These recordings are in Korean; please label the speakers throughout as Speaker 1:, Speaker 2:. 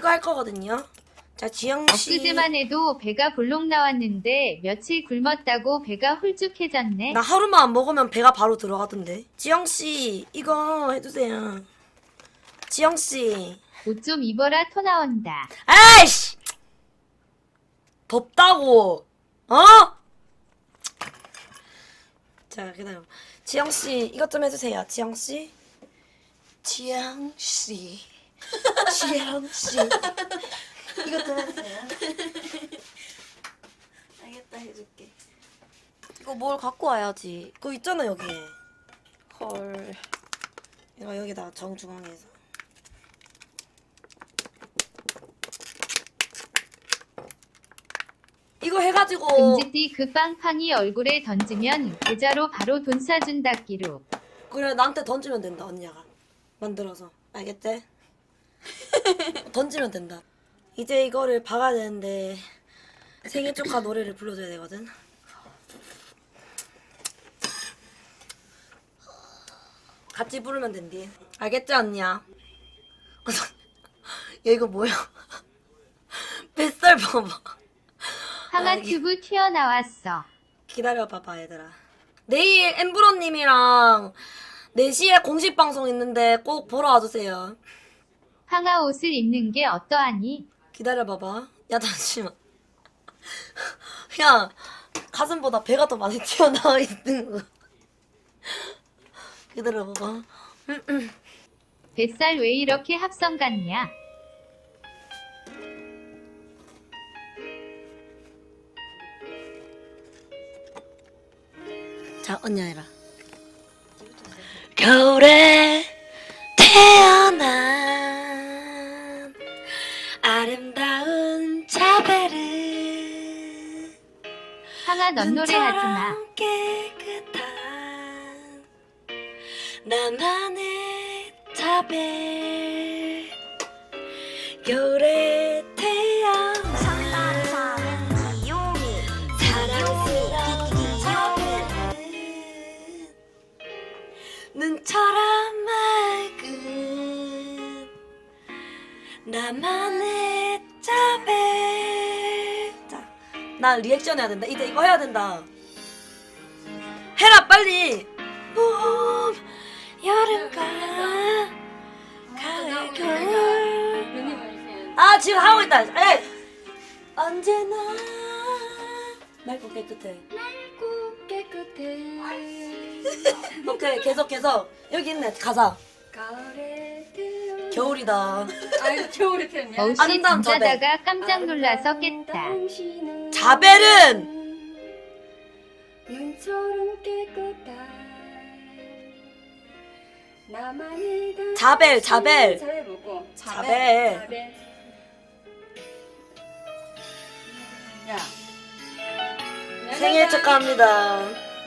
Speaker 1: 이거 할 거거든요. 자, 지영씨.
Speaker 2: 엊그제만 해도 배가 볼록 나왔는데 며칠 굶었다고 배가 홀쭉해졌네.
Speaker 1: 나 하루만 안 먹으면 배가 바로 들어가던데. 지영씨, 이거 해주세요. 지영씨.
Speaker 2: 옷 좀 입어라 토 나온다.
Speaker 1: 아이씨! 덥다고. 어? 자, 기다려. 지영씨, 이것 좀 해주세요. 지영씨. 지영씨. 지영씨. 이것 좀 해주세요. 알겠다, 해줄게. 이거 뭘 갖고 와야지. 그거 있잖아, 여기에. 헐. 이거 여기다 정중앙에서. 이거 해가지고.
Speaker 2: 금지띠 그 빵팡이 얼굴에 던지면 계좌로 바로 돈 사준다기로.
Speaker 1: 그래, 나한테 던지면 된다, 언니가. 만들어서. 알겠지? 던지면 된다. 이제 이거를 박아야 되는데 생일 축하 노래를 불러줘야 되거든. 같이 부르면 된디. 알겠지, 언니야? 야, 이거 뭐야? 뱃살 봐봐.
Speaker 2: 항아 튜브 튀어나왔어.
Speaker 1: 기다려봐봐, 얘들아. 내일 엠브로님이랑 4시에 공식 방송 있는데 꼭 보러 와주세요.
Speaker 2: 항아 옷을 입는 게 어떠하니?
Speaker 1: 기다려봐봐. 야, 잠시만. 야, 가슴보다 배가 더 많이 튀어나와 있는 거. 기다려봐봐.
Speaker 2: 뱃살 왜 이렇게 합성 같냐?
Speaker 1: 자, 언니 해라. 겨울에 태어난 아름다운 자베르
Speaker 2: 항아 넌 노래하지마.
Speaker 1: 눈처럼 깨끗한 나만의 자베르 겨울에 태어난 눈처럼 맑은 나만의 자베. 자, 나 리액션 해야 된다. 이제 이거 해야 된다. 해라 빨리. 봄, 여름과 가을, 겨울. 아, 지금 하고 있다. 에이. 언제나 맑고 깨끗해.
Speaker 3: 맑고 깨끗해.
Speaker 1: 오케이, 계속 여기 있네 가사.
Speaker 3: 가을에 태어난
Speaker 1: 겨울이다.
Speaker 3: 아 겨울에 태어났냐?
Speaker 2: 어우씨
Speaker 1: 아름다운
Speaker 2: 잠자다가 깜짝 놀라서 깼다.
Speaker 3: 당신은
Speaker 1: 자벨은
Speaker 3: 눈처럼 깨끗한 나만의 당신.
Speaker 1: 자벨.
Speaker 3: 자벨 뭐고?
Speaker 1: 자벨.
Speaker 3: 야
Speaker 1: 생일 축하합니다.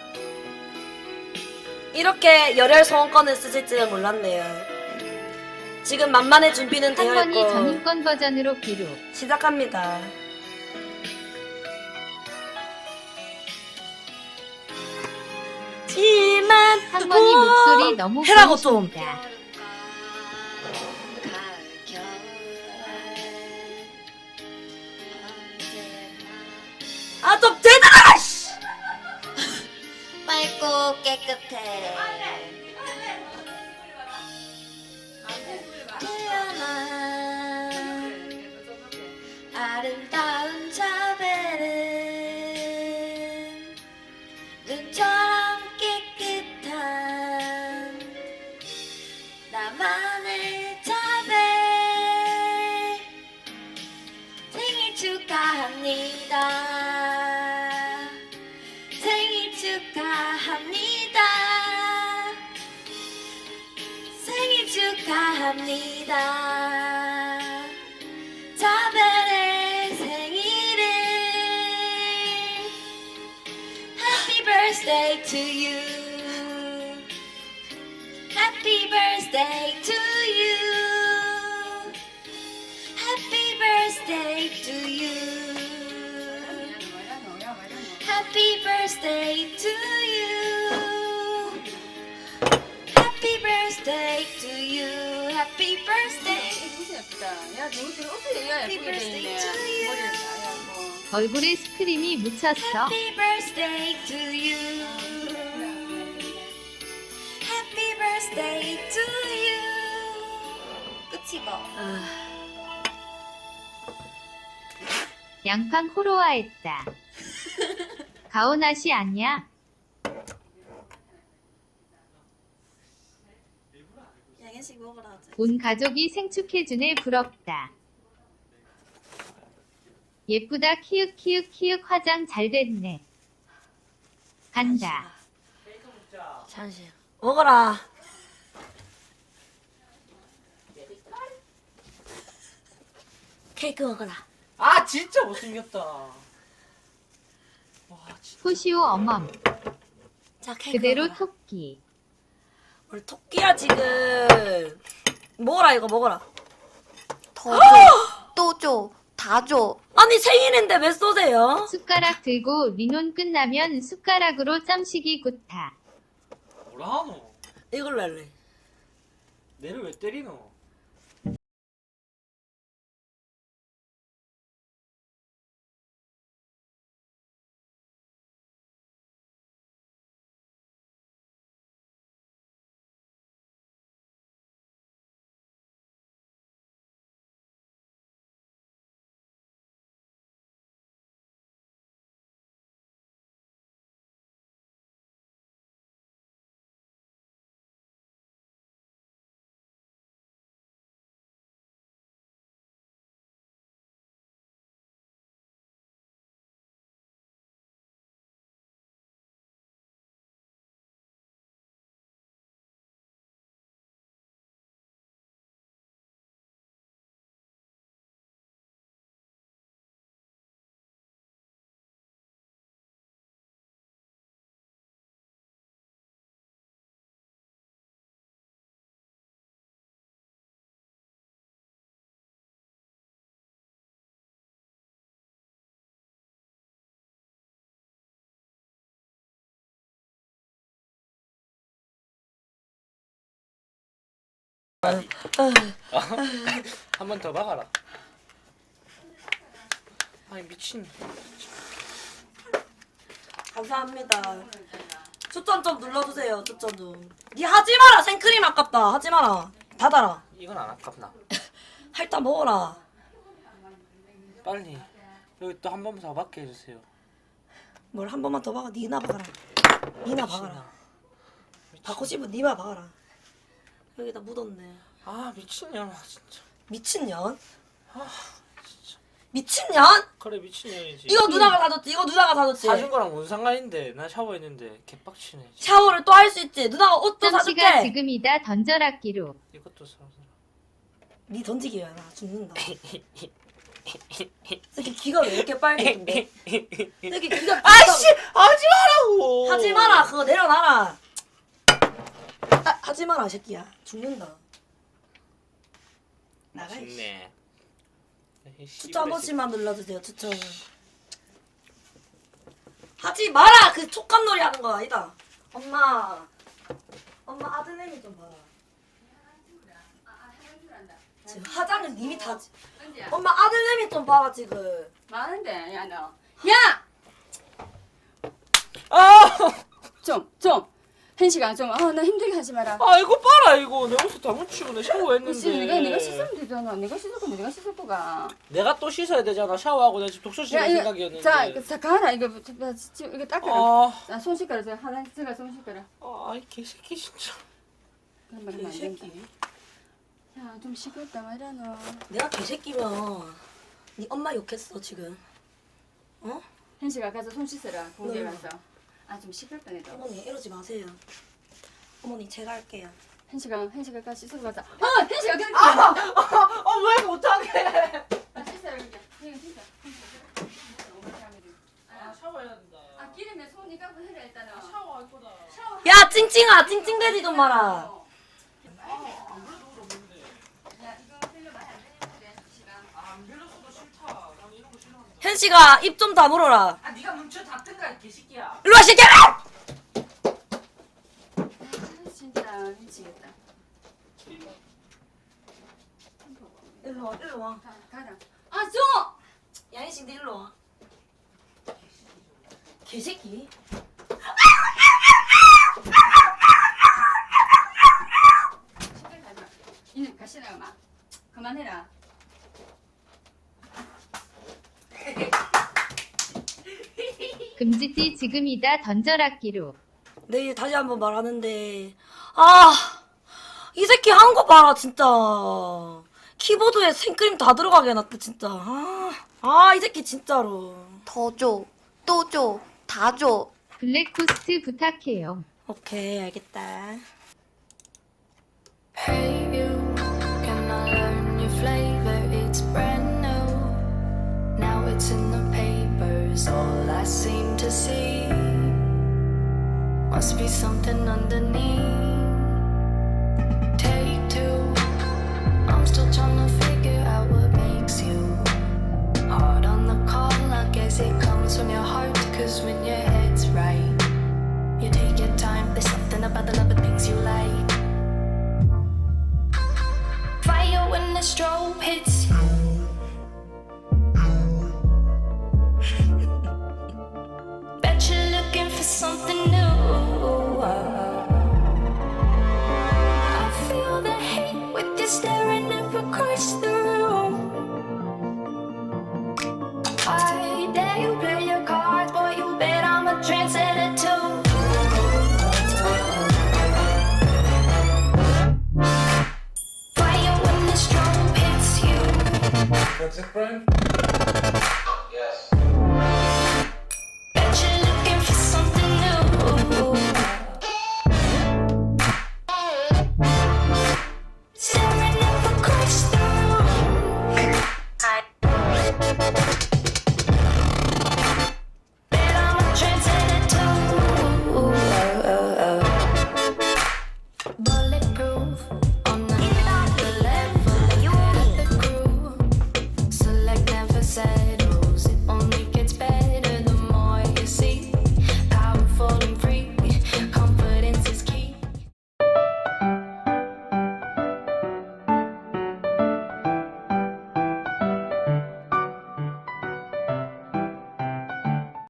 Speaker 1: 이렇게 열혈 소원권을 쓰실 줄은 몰랐네요. 지금 만만의 준비는 되어
Speaker 2: 한번이
Speaker 1: 있고
Speaker 2: 전인권 버전으로 기록.
Speaker 1: 시작합니다. 지만
Speaker 2: 한번이 목소리 너무
Speaker 1: 해라고 좀.
Speaker 2: 고우십니다.
Speaker 1: 아, 좀 되잖아! 씨!
Speaker 4: 맑고 깨끗해 태어난 아름다운 자벨은 눈처럼 깨끗한 나만의 자벨 생일 축하합니다 생일 축하합니다. 생일 축하합니다. 자벨의 생일을 Happy birthday to you. Happy birthday to you. Happy birthday to you. Happy birthday to you. Happy birthday to you. Happy birthday.
Speaker 3: 예쁘다. 야, 누구들 옷을 야 예쁘게 돼 있네. 머리를 다
Speaker 2: 얼굴에 스크림이 묻혔어.
Speaker 4: Happy birthday to you. Happy birthday to you. 끝이고.
Speaker 2: 양팡 호로아했다. 가오나시 아니야?
Speaker 1: 양현식 먹으라 하자.
Speaker 2: 온 가족이 생축해주네 부럽다. 예쁘다 키읔 키읔 키읔 화장 잘 됐네. 간다.
Speaker 1: 잠시 먹어라. 케이크 먹어라.
Speaker 5: 아 진짜 못생겼다. 와 진짜.
Speaker 2: 호시오 어멈.
Speaker 1: 자 케이크
Speaker 2: 그대로
Speaker 1: 먹어라.
Speaker 2: 토끼.
Speaker 1: 뭘 토끼야 지금. 먹어라 이거 먹어라.
Speaker 4: 더 줘. 또 줘. 다 줘.
Speaker 1: 아니 생일인데 왜 쏘세요?
Speaker 2: 숟가락 들고 리논 끝나면 숟가락으로 짬식이 굿타.
Speaker 5: 뭐라 하노?
Speaker 1: 이걸로 할래.
Speaker 5: 내를 왜 때리노? 한 번 더 박아라. 아니 미친.
Speaker 1: 감사합니다. 추천 좀 눌러주세요. 추천 좀. 니 하지 마라. 생크림 아깝다. 하지 마라. 닫아라.
Speaker 5: 이건 안 아깝나?
Speaker 1: 할다 먹어라.
Speaker 5: 빨리 여기 또 한 번만 더 박게 해주세요.
Speaker 1: 뭘 한 번만 더 박아. 니나 박아라. 니나 박아라. 받고 싶으면 니나 박아라. 여기다 묻었네.
Speaker 5: 아 미친년아 진짜.
Speaker 1: 미친년?
Speaker 5: 아 진짜.
Speaker 1: 미친년?
Speaker 5: 그래 미친년이지.
Speaker 1: 이거 누나가 사줬지. 이거 누나가 사줬지.
Speaker 5: 사준 거랑 뭔 상관인데 나 샤워했는데 개빡치네.
Speaker 1: 샤워를 또 할 수 있지. 누나가 옷도
Speaker 2: 짬씨가
Speaker 1: 사줄게.
Speaker 2: 지금이다 던져라기로.
Speaker 5: 이것도 사서.
Speaker 1: 니 던지기 왜나 죽는다. 새끼 기가 왜 이렇게 빨개진데? 새끼 기가
Speaker 5: 아씨 하지 말라고.
Speaker 1: 하지 마라. 그거 내려놔라. 하지 마라, 새끼야. 죽는다. 나가. 이씨.
Speaker 5: 맛있네.
Speaker 1: 추천 한 번씩만 눌러주세요. 추천. 하지 마라. 그 촉감놀이 하는 거 아니다. 엄마 아드님이 좀 봐라. 지금 화장을 님이 다. 엄마 아들내미 좀 봐라 지금.
Speaker 3: 많은데, 야, 너. 야!
Speaker 5: 아!
Speaker 3: 좀. 현식아, 좀, 나 힘들게 하지 마라.
Speaker 5: 아 이거 봐라 이거 내 옷을 다 묻히고 내 샤워했는데.
Speaker 3: 그치, 네가 씻으면 되잖아. 네가 씻을 거면 네가 씻을 거가.
Speaker 5: 내가 또 씻어야 되잖아. 샤워하고 내가 지금 독서실 갈 생각이었는데.
Speaker 3: 자, 가라. 이거 닦아라.
Speaker 5: 아,
Speaker 3: 손 씻거라. 하나 들어가, 손 씻거라.
Speaker 5: 이 개새끼 진짜.
Speaker 3: 그런 말 하면 안 된다. 야, 좀 시끄럽다 말이야, 너.
Speaker 1: 내가 개새끼면 네 엄마 욕했어 지금. 어?
Speaker 3: 현식아, 가서 손 씻어라. 공대
Speaker 1: 네.
Speaker 3: 가서. 좀 시끄럽다, 내도.
Speaker 1: 어머니 이러지 마세요. 어머니 제가 할게요.
Speaker 3: 현식아, 가서 씻으러 가자. 현식아, 그래.
Speaker 5: 왜 못하게?
Speaker 3: 씻어라, 그러니까. 씻어.
Speaker 5: 샤워해야 된다.
Speaker 3: 기름에 손 네가 해라, 일단은.
Speaker 5: 샤워할 거다.
Speaker 1: 야 찡찡아 찡찡대지 좀 마라.
Speaker 5: 안 빌렸어도 싫다. 난 이런 거 싫어한다.
Speaker 1: 현씨가 입 좀 다물어라.
Speaker 5: 네가 뭉쳐 닫든가 이 개새끼야.
Speaker 1: 일로와 새끼야!
Speaker 3: 진짜 미치겠다.
Speaker 1: 일로 와, 일로 와.
Speaker 3: 가라. 아, 줘!
Speaker 1: 양이씨들 일로 와. 개새끼.
Speaker 3: 시끄러 가지 마. 이는 가시라 엄마. 그만해라.
Speaker 2: 금지띠 지금이다 던져라기로.
Speaker 1: 내일 다시 한번 말하는데 아, 이 새끼 한 거 봐라 진짜. 키보드에 생크림 다 들어가게 해놨다 진짜. 이 새끼 진짜로.
Speaker 4: 더 줘. 또 줘. 다 줘.
Speaker 2: 블랙호스트 부탁해요.
Speaker 1: 오케이 알겠다.
Speaker 6: Hey you, can I learn your flavor? It's brand new. Now it's in the papers, all I seem to see. Must be something underneath. Take two, I'm still trying to figure out what makes you hard on the call. I guess it comes from your heart, cause when your head's right, you take your time. There's something about the love of things you like. Fire when the strobe hits. Bet you're looking for something new. I feel the hate with you staring up across the room. I dare you play your cards, boy, you bet I'm a trendsetter too. Fire when the strobe hits you.
Speaker 7: That's it, Brian?